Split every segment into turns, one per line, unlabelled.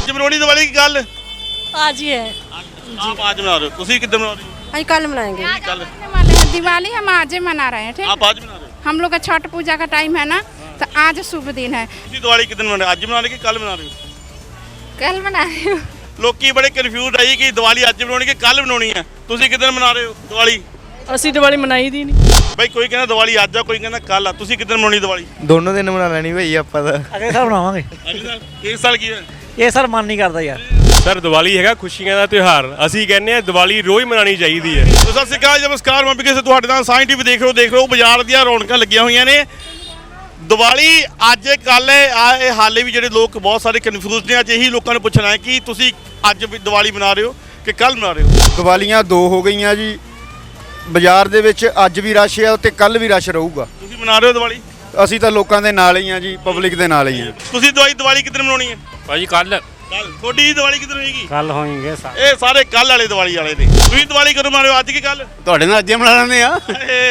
ਅੱਜ ਮਨਾਉਣੀ ਦੀਵਾਲੀ ਕੀ ਕੱਲ?
आज ही है
आप आज मना रहे हो, ਤੁਸੀਂ ਕਿੱਦਾਂ ਮਨਾ ਰਹੇ ਹੋ?
आज कल मनाएंगे
कल
दिवाली हम आज ही मना रहे हैं। ठीक,
आप आज मना रहे हो?
हम लोग का छठ पूजा का टाइम है ना, तो आज शुभ दिन है।
ਤੁਸੀਂ ਦੀਵਾਲੀ ਕਿੱਦਾਂ ਮਨਾ ਰਹੇ ਹੋ? ਅੱਜ ਮਨਾ ਰਹੇ ਕਿ ਕੱਲ ਮਨਾ ਰਹੇ ਹੋ?
कल मना रहे हो।
ਲੋਕੀ ਬੜੇ ਕਨਫਿਊਜ਼ ਆਈ ਕਿ ਦੀਵਾਲੀ ਅੱਜ ਬਣਾਉਣੀ ਕਿ ਕੱਲ ਬਣਾਉਣੀ ਹੈ। ਤੁਸੀਂ ਕਿੱਦਾਂ ਮਨਾ ਰਹੇ ਹੋ ਦੀਵਾਲੀ?
ਅਸੀਂ ਦੀਵਾਲੀ ਮਨਾਈ ਦੀ ਨਹੀਂ।
ਬਈ ਕੋਈ ਕਹਿੰਦਾ ਦੀਵਾਲੀ ਅੱਜ ਆ, ਕੋਈ ਕਹਿੰਦਾ ਕੱਲ ਆ। ਤੁਸੀਂ ਕਿੱਦਾਂ ਮਨਾਉਣੀ ਦੀਵਾਲੀ?
ਦੋਨੋਂ ਦਿਨ ਬਣਾ ਲੈਣੀ ਭਾਈ ਆਪਾਂ ਤਾਂ।
ਅਗਲੇ ਸਾਲ ਬਣਾਵਾਂਗੇ।
ਅਗਲੇ ਸਾਲ ਇਸ ਸਾਲ ਕੀ ਹੈ?
ਇਹ ਸਾਲ ਮਨ ਨਹੀਂ ਕਰਦਾ ਯਾਰ।
ਸਰ ਦੀਵਾਲੀ ਹੈਗਾ ਖੁਸ਼ੀਆਂ ਦਾ ਤਿਉਹਾਰ। ਅਸੀਂ ਕਹਿੰਦੇ ਆ ਦੀਵਾਲੀ ਰੋਜ਼ ਮਨਾਉਣੀ ਚਾਹੀਦੀ ਹੈ।
ਸਤਿ ਸ਼੍ਰੀ ਅਕਾਲ, ਨਮਸਕਾਰ। ਮੈਂ ਕਿਸੇ ਤੁਹਾਡੇ ਨਾਲ ਸਾਈਂ ਟੀਵੀ ਦੇਖ ਰਹੇ ਹੋ ਬਾਜ਼ਾਰ ਦੀਆਂ ਰੌਣਕਾਂ ਲੱਗੀਆਂ ਹੋਈਆਂ ਨੇ। ਦੀਵਾਲੀ ਅੱਜ ਕੱਲ ਇਹ ਹਾਲੇ ਵੀ ਜਿਹੜੇ ਲੋਕ ਬਹੁਤ ਸਾਰੇ ਕਨਫਿਊਜ਼ ਨੇ। ਅੱਜ ਇਹੀ ਲੋਕਾਂ ਨੂੰ ਪੁੱਛਣਾ ਹੈ ਕਿ ਤੁਸੀਂ ਅੱਜ ਵੀ ਦੀਵਾਲੀ ਮਨਾ ਰਹੇ ਹੋ ਕਿ ਕੱਲ ਮਨਾ ਰਹੇ ਹੋ?
ਦੀਵਾਲੀਆਂ ਦੋ ਹੋ ਗਈਆਂ ਜੀ। ਬਾਜ਼ਾਰ ਦੇ ਵਿੱਚ ਅੱਜ ਵੀ ਰਸ਼ ਹੈ ਤੇ ਕੱਲ ਵੀ ਰਸ਼ ਰਹੂਗਾ।
ਤੁਸੀਂ ਮਨਾ ਰਹੇ ਹੋ ਦੀਵਾਲੀ?
ਅਸੀਂ ਤਾਂ ਲੋਕਾਂ ਦੇ ਨਾਲ ਹੀ ਆ ਜੀ, ਪਬਲਿਕ ਦੇ ਨਾਲ ਹੀ ਆ।
ਤੁਸੀਂ ਦੀਵਾਲੀ ਕਿੱਦਣ ਮਨਾਉਣੀ ਹੈ?
ਭਾਜੀ ਕੱਲ
ਕੱਲ। ਤੁਹਾਡੀ ਦੀਵਾਲੀ ਕਿੱਦਣ ਹੋਏਗੀ?
ਕੱਲ ਹੋਣਗੇ।
ਇਹ ਸਾਰੇ ਕੱਲ ਵਾਲੇ ਦੀਵਾਲੀ ਵਾਲੇ ਨੇ। ਤੁਸੀਂ ਦੀਵਾਲੀ ਕਦੋਂ ਮਨਾ ਰਹੇ ਹੋ, ਅੱਜ ਕਿ ਕੱਲ?
ਤੁਹਾਡੇ ਨਾਲ ਅੱਜ ਮਨਾ ਲੈਂਦੇ ਆ।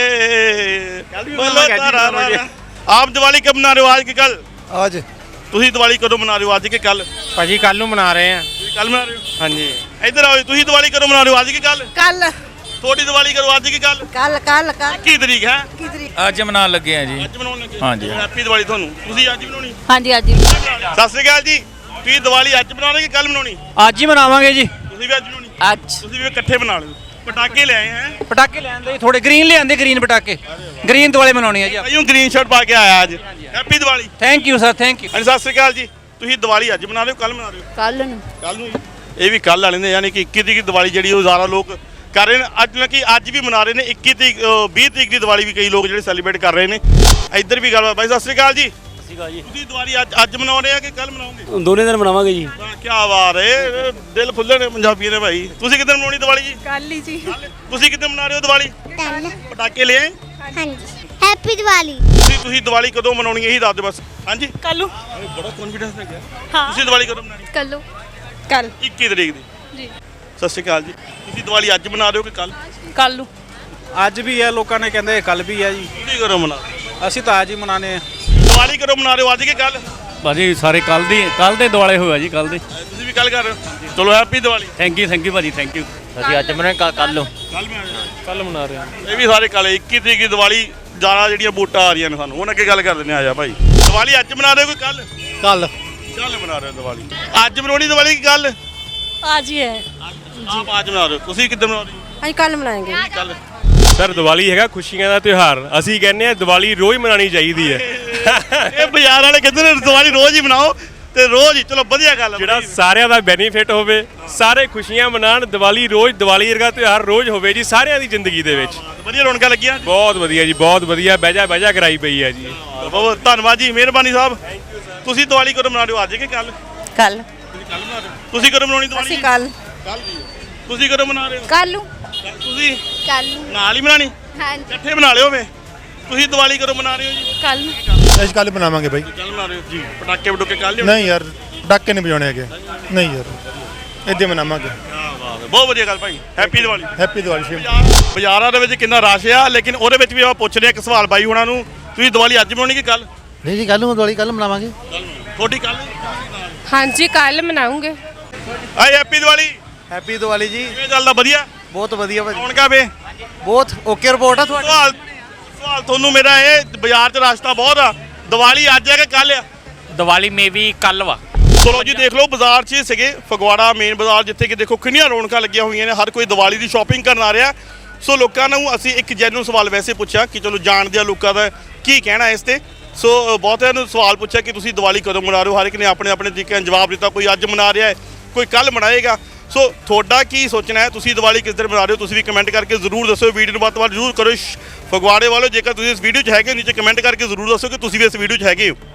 ਆਪ ਦੀਵਾਲੀ ਕਬ ਮਨਾ ਰਹੇ ਹੋ, ਅੱਜ ਕਿ ਕੱਲ?
ਅੱਜ
ਤੁਸੀਂ ਦੀਵਾਲੀ ਕਦੋਂ ਮਨਾ ਰਹੇ ਹੋ, ਅੱਜ ਕਿ ਕੱਲ?
ਭਾਜੀ ਕੱਲ ਨੂੰ ਮਨਾ ਰਹੇ ਆ।
ਤੁਸੀਂ ਕੱਲ ਮਨਾ ਰਹੇ ਹੋ?
ਹਾਂਜੀ।
ਇੱਧਰ ਆਓ। ਤੁਸੀਂ ਦੀਵਾਲੀ ਕਦੋਂ ਮਨਾ ਰਹੇ ਹੋ, ਅੱਜ ਕਿ ਕੱਲ?
कल
ਤੁਹਾਡੀ ਦੀਵਾਲੀ ਕਦੋਂ, ਅੱਜ ਕਿ ਕੱਲ?
कल कल कल
ਕੀ ਤਰੀਕ ਹੈ?
ਅੱਜ ਮਨਾਉਣ ਲੱਗੇ ਆ ਜੀ।
ਅੱਜ ਮਨਾਉਣ ਲੱਗੇ।
ਹਾਂਜੀ।
ਹੈਪੀ ਦੀਵਾਲੀ ਤੁਹਾਨੂੰ। ਤੁਸੀਂ ਅੱਜ ਬਣਾਉਣੀ?
हाँ जी आज ही
ਸਤਿ ਸ਼੍ਰੀ ਅਕਾਲ ਜੀ। ਤੁਸੀਂ ਦੀਵਾਲੀ ਅੱਜ ਬਣਾਉਣੀ ਕਿ ਕੱਲ ਬਣਾਉਣੀ?
ਅੱਜ ਹੀ ਮਨਾਵਾਂਗੇ ਜੀ।
ਤੁਸੀਂ ਵੀ ਅੱਜ ਬਣਾਉਣੀ?
आज
ਤੁਸੀਂ ਵੀ ਇਕੱਠੇ ਬਣਾ ਲਿਓ। ਪਟਾਕੇ ਲੈ ਆਏ ਹੈ?
ਪਟਾਕੇ ਲੈਂਦੇ ਥੋੜੇ ਗ੍ਰੀਨ ਲਿਆਂਦੇ, ਗ੍ਰੀਨ ਪਟਾਕੇ। ਗ੍ਰੀਨ ਦਿਵਾਲੀ ਮਨਾਉਣੀ ਹੈ ਜੀ।
ਭਾਈਓ ਗ੍ਰੀਨ ਸ਼ਰਟ ਪਾ ਕੇ ਆਇਆ ਅੱਜ। Happy Diwali.
Thank you sir, thank you.
ਹਾਂਜੀ ਸਤਿ ਸ਼੍ਰੀ ਅਕਾਲ ਜੀ। ਤੁਸੀਂ ਦੀਵਾਲੀ ਅੱਜ ਬਣਾ ਰਹੇ ਹੋ ਕੱਲ ਬਣਾ ਰਹੇ ਹੋ?
कल
ਕੱਲ ਨੂੰ ਜੀ। ਇਹ ਵੀ ਕੱਲ ਵਾਲੇ ਨੇ, ਯਾਨੀ ਕਿ 21 ਤਰੀਕ ਦੀ ਦੀਵਾਲੀ ਜਿਹੜੀ ਉਹ ਜ਼ਿਆਦਾ ਲੋਕ ਕਰ ਰਹੇ ਨੇ। ਅੱਜ ਨਾ ਕਿ ਅੱਜ ਵੀ ਮਨਾ ਰਹੇ ਨੇ 21 ਤਰੀਕ 20 ਤਰੀਕ ਦੀ ਦੀਵਾਲੀ ਵੀ ਕਈ ਲੋਕ ਜਿਹੜੇ ਸੈਲੀਬ੍ਰੇਟ ਕਰ ਰਹੇ ਨੇ। ਇੱਧਰ ਵੀ ਗੱਲਬਾਤ। ਬਾਈ ਸਤਿ ਸ਼੍ਰੀ ਅਕਾਲ ਜੀ। ਤੁਸੀਂ ਦੀਵਾਲੀ ਅੱਜ ਮਨਾ ਰਹੇ ਆ ਕਿ ਕੱਲ ਮਨਾਓਗੇ?
ਦੋਨੇ ਦਿਨ ਮਨਾਵਾਂਗੇ ਜੀ।
ਕੀ ਬਾਤ ਹੈ, ਦਿਲ ਖੁੱਲੇ ਨੇ ਪੰਜਾਬੀਆਂ ਦੇ ਭਾਈ। ਤੁਸੀਂ ਕਿੱਦਾਂ ਮਨਾਉਣੀ ਦੀਵਾਲੀ ਜੀ?
कल ही जी।
ਤੁਸੀਂ ਕਿੱਦਾਂ ਮਨਾ ਰਹੇ ਹੋ ਦੀਵਾਲੀ?
ਕੱਲ।
ਪਟਾਕੇ ਲੈ ਆਏ?
ਹਾਂਜੀ। ਹੈਪੀ ਦੀਵਾਲੀ।
ਤੁਸੀਂ ਦੀਵਾਲੀ ਕਦੋਂ ਮਨਾਉਣੀ ਇਹੀ ਦੱਸ ਦਿਓ ਬਸ। ਹਾਂਜੀ
कल
ਬੜਾ ਕੌਨਫੀਡੈਂਸ ਲੈ ਗਿਆ।
ਹਾਂ।
ਤੁਸੀਂ ਦੀਵਾਲੀ ਕਦੋਂ ਮਨਾਉਣੀ?
कल कल
21 ਤਰੀਕ ਦੀ।
ਜੀ।
ਸਤਿ ਸ਼੍ਰੀ ਅਕਾਲ ਜੀ। ਤੁਸੀਂ ਦੀਵਾਲੀ ਅੱਜ ਮਨਾ ਰਹੇ ਹੋ ਕਿ ਕੱਲ?
कल
ਅੱਜ ਵੀ ਹੈ, ਲੋਕਾਂ ਨੇ ਕਹਿੰਦੇ ਕੱਲ ਵੀ ਹੈ ਜੀ।
ਤੁਸੀਂ ਕਦੋਂ ਮਨਾ?
ਅਸੀਂ ਤਾਂ ਅੱਜ ਹੀ ਮਨਾਨੇ ਆ।
ਦੀਵਾਲੀ ਕਦੋਂ ਮਨਾ ਰਹੇ ਹੋ, ਅੱਜ ਕਿ ਕੱਲ?
ਭਾਜੀ ਸਾਰੇ ਕੱਲ ਦੇ ਦਿਵਾਲੇ ਹੋਇਆ ਜੀ, ਕੱਲ ਦੇ।
ਤੁਸੀਂ ਵੀ ਕੱਲ ਕਰ ਰਹੇ ਹੋ? ਚਲੋ ਹੈਪੀ ਦੀਵਾਲੀ।
ਥੈਂਕ ਯੂ ਭਾਜੀ, ਥੈਂਕ ਯੂ। ਅਸੀਂ ਅੱਜ ਮਨਾ ਕੱਲ ਨੂੰ
ਕੱਲ ਮਨਾ ਰਹੇ ਹਾਂ। ਇਹ ਵੀ ਸਾਰੇ ਕੱਲ 21 ਤਰੀਕ ਦੀ ਦੀਵਾਲੀ। ਜ਼ਿਆਦਾ ਜਿਹੜੀਆਂ ਵੋਟਾਂ ਆ ਰਹੀਆਂ ਨੇ ਸਾਨੂੰ, ਉਹਨਾਂ ਅੱਗੇ ਗੱਲ ਕਰ ਦਿੰਦੇ ਆ ਜਾ ਭਾਈ। ਦੀਵਾਲੀ ਅੱਜ ਮਨਾ ਰਹੇ ਹੋ ਕਿ ਕੱਲ?
ਕੱਲ
ਕੱਲ ਮਨਾ ਰਹੇ ਹੋ ਦੀਵਾਲੀ। ਅੱਜ ਮਨਾਉਣੀ ਦੀਵਾਲੀ ਕੀ ਕੱਲ?
आज ही है
ਆਪ ਅੱਜ ਮਨਾ ਰਹੇ ਹੋ। ਤੁਸੀਂ ਕਿੱਦਾਂ ਮਨਾ ਰਹੇ ਹੋ?
आज कल मनाएंगे
ਕੱਲ।
ਸਰ ਦੀਵਾਲੀ ਹੈਗਾ ਖੁਸ਼ੀਆਂ ਦਾ ਤਿਉਹਾਰ। ਅਸੀਂ ਕਹਿੰਦੇ ਆ ਦੀਵਾਲੀ ਰੋਜ਼ ਮਨਾਉਣੀ ਚਾਹੀਦੀ ਹੈ।
ਇਹ ਬਾਜ਼ਾਰ ਵਾਲੇ ਕਹਿੰਦੇ ਨੇ ਦੀਵਾਲੀ ਰੋਜ਼ ਹੀ ਮਨਾਓ ਤੇ ਰੋਜ਼ ਹੀ। ਚਲੋ ਵਧੀਆ ਗੱਲ ਹੈ।
ਜਿਹੜਾ ਸਾਰਿਆਂ ਦਾ ਬੈਨੀਫਿਟ ਹੋਵੇ, ਸਾਰੇ ਖੁਸ਼ੀਆਂ ਮਨਾਉਣ। ਦੀਵਾਲੀ ਦੀਵਾਲੀ ਵਰਗਾ ਤਿਉਹਾਰ ਰੋਜ਼ ਹੋਵੇ ਜੀ ਸਾਰਿਆਂ ਦੀ ਜ਼ਿੰਦਗੀ ਦੇ ਵਿੱਚ।
ਵਧੀਆ ਰੌਣਕਾਂ ਲੱਗੀਆਂ।
ਬਹੁਤ ਵਧੀਆ ਜੀ, ਬਹੁਤ ਵਧੀਆ। ਬਹਿਜਾ ਕਰਾਈ ਪਈ ਹੈ ਜੀ।
ਬਹੁਤ ਧੰਨਵਾਦ ਜੀ, ਮਿਹਰਬਾਨੀ ਸਾਹਿਬ। ਤੁਸੀਂ ਦੀਵਾਲੀ ਕਦੋਂ ਮਨਾ ਰਹੇ ਹੋ, ਅੱਜ ਕਿ ਕੱਲ?
कल
ਤੁਸੀਂ ਕੱਲ ਮਨਾ ਰਹੇ ਹੋ। ਤੁਸੀਂ ਕਦੋਂ ਮਨਾਉਣੀ ਦੀਵਾਲੀ?
कल
ਕੱਲ ਜੀ। ਤੁਸੀਂ ਕਦੋਂ ਮਨਾ ਰਹੇ ਹੋ?
कल
ਤੁਸੀਂ
ਕੱਲ।
ਨਾਲ ਹੀ ਮਨਾਣੀ?
ਹਾਂਜੀ।
ਇਕੱਠੇ ਬਣਾ ਲਿਓ ਵੇ। ਤੁਸੀਂ ਦੀਵਾਲੀ ਕਦੋਂ ਮਨਾ ਰਹੇ ਹੋ ਜੀ?
कल
ਅਸੀਂ ਕੱਲ ਬਣਾਵਾਂਗੇ ਬਾਈ।
ਕੱਲ ਮਨਾ ਰਹੇ ਹੋ ਜੀ। ਪਟਾਕੇ ਵਟੂਕੇ ਕੱਲ ਲਿਓ?
ਨਹੀਂ ਯਾਰ, ਪਟਾਕੇ ਨਹੀਂ ਵਜਾਉਣੇ ਹੈਗੇ। ਨਹੀਂ ਯਾਰ, ਇੱਦਾਂ ਮਨਾਵਾਂਗੇ।
ਬਹੁਤ ਵਧੀਆ ਗੱਲ ਭਾਈ। ਹੈਪੀ ਦੀਵਾਲੀ।
ਹੈਪੀ ਦੀਵਾਲੀ ਸ਼ਿਵ।
ਬਾਜ਼ਾਰਾਂ ਦੇ ਵਿੱਚ ਕਿੰਨਾ ਰਸ਼ ਆ, ਲੇਕਿਨ ਉਹਦੇ ਵਿੱਚ ਵੀ ਆਪਾਂ ਪੁੱਛ ਰਹੇ ਇੱਕ ਸਵਾਲ ਬਾਈ ਹੁਣਾਂ ਨੂੰ। ਤੁਸੀਂ ਦੀਵਾਲੀ ਅੱਜ ਮਨਾਉਣੀ ਕਿ ਕੱਲ?
ਨਹੀਂ ਜੀ, ਕੱਲ ਨੂੰ ਦੀਵਾਲੀ ਕੱਲ ਮਨਾਵਾਂਗੇ।
ਤੁਹਾਡੀ ਕੱਲ?
हाँ जी कल मनाऊंगे।
ਹਾਏ ਹੈਪੀ ਦੀਵਾਲੀ।
ਹੈਪੀ ਦੀਵਾਲੀ ਜੀ।
ਕਿਵੇਂ ਚੱਲਦਾ? ਵਧੀਆ।
ਬਹੁਤ ਵਧੀਆ ਭਾਜੀ।
ਕੌਣ ਕਾ ਵੇ?
ਬਹੁਤ ਓਕੇ ਰਿਪੋਰਟ ਆ ਤੁਹਾਡੀ।
ਸਵਾਲ ਤੁਹਾਨੂੰ ਮੇਰਾ ਇਹ, ਬਾਜ਼ਾਰ 'ਚ ਰਸਤਾ ਬਹੁਤ ਆ। ਦੀਵਾਲੀ ਅੱਜ ਹੈ ਕਿ ਕੱਲ ਆ?
ਦੀਵਾਲੀ ਮੇ ਵੀ ਕੱਲ ਵਾ।
ਚਲੋ ਜੀ ਦੇਖ ਲਓ, ਬਾਜ਼ਾਰ 'ਚ ਸੀਗੇ ਫਗਵਾੜਾ ਮੇਨ ਬਾਜ਼ਾਰ, ਜਿੱਥੇ ਕਿ ਦੇਖੋ ਕਿੰਨੀਆਂ ਰੌਣਕਾਂ ਲੱਗੀਆਂ ਹੋਈਆਂ ਨੇ। ਹਰ ਕੋਈ ਦੀਵਾਲੀ ਦੀ ਸ਼ਾਪਿੰਗ ਕਰਨ ਆ ਰਿਹਾ। ਸੋ ਲੋਕਾਂ ਨੂੰ ਅਸੀਂ ਇੱਕ ਜੈਨੂਨ ਸਵਾਲ ਵੈਸੇ ਪੁੱਛਿਆ ਕਿ ਚਲੋ ਜਾਣਦੇ ਆ ਲੋਕਾਂ ਦਾ ਕੀ ਕਹਿਣਾ ਇਸ ਤੇ। ਸੋ ਬਹੁਤਿਆਂ ਨੂੰ ਸਵਾਲ ਪੁੱਛਿਆ ਕਿ ਤੁਸੀਂ ਦੀਵਾਲੀ ਕਦੋਂ ਮਨਾ ਰਹੇ ਹੋ। ਹਰ ਇੱਕ ਨੇ ਆਪਣੇ ਆਪਣੇ ਤਰੀਕੇ ਨਾਲ ਜਵਾਬ ਦਿੱਤਾ। ਕੋਈ ਅੱਜ ਮਨਾ ਰਿਹਾ ਹੈ, ਕੋਈ ਕੱਲ ਮਨਾਏਗਾ। ਸੋ ਤੁਹਾਡਾ ਕੀ ਸੋਚਣਾ ਹੈ? ਤੁਸੀਂ ਦੀਵਾਲੀ ਕਿਸ ਦਿਨ ਮਨਾ ਰਹੇ ਹੋ? ਤੁਸੀਂ ਵੀ ਕਮੈਂਟ ਕਰਕੇ ਜ਼ਰੂਰ ਦੱਸੋ। ਵੀਡੀਓ ਨੂੰ ਵੱਧ ਤੋਂ ਵੱਧ ਜ਼ਰੂਰ ਕਰੋ। ਫਗਵਾੜੇ ਵਾਲੋ, ਜੇਕਰ ਤੁਸੀਂ ਇਸ ਵੀਡੀਓ 'ਚ ਹੈਗੇ ਹੋ, ਨੀਚੇ ਕਮੈਂਟ ਕਰਕੇ ਜ਼ਰੂਰ ਦੱਸੋ ਕਿ ਤੁਸੀਂ ਵੀ ਇਸ ਵੀਡੀਓ 'ਚ ਹੈਗੇ ਹੋ।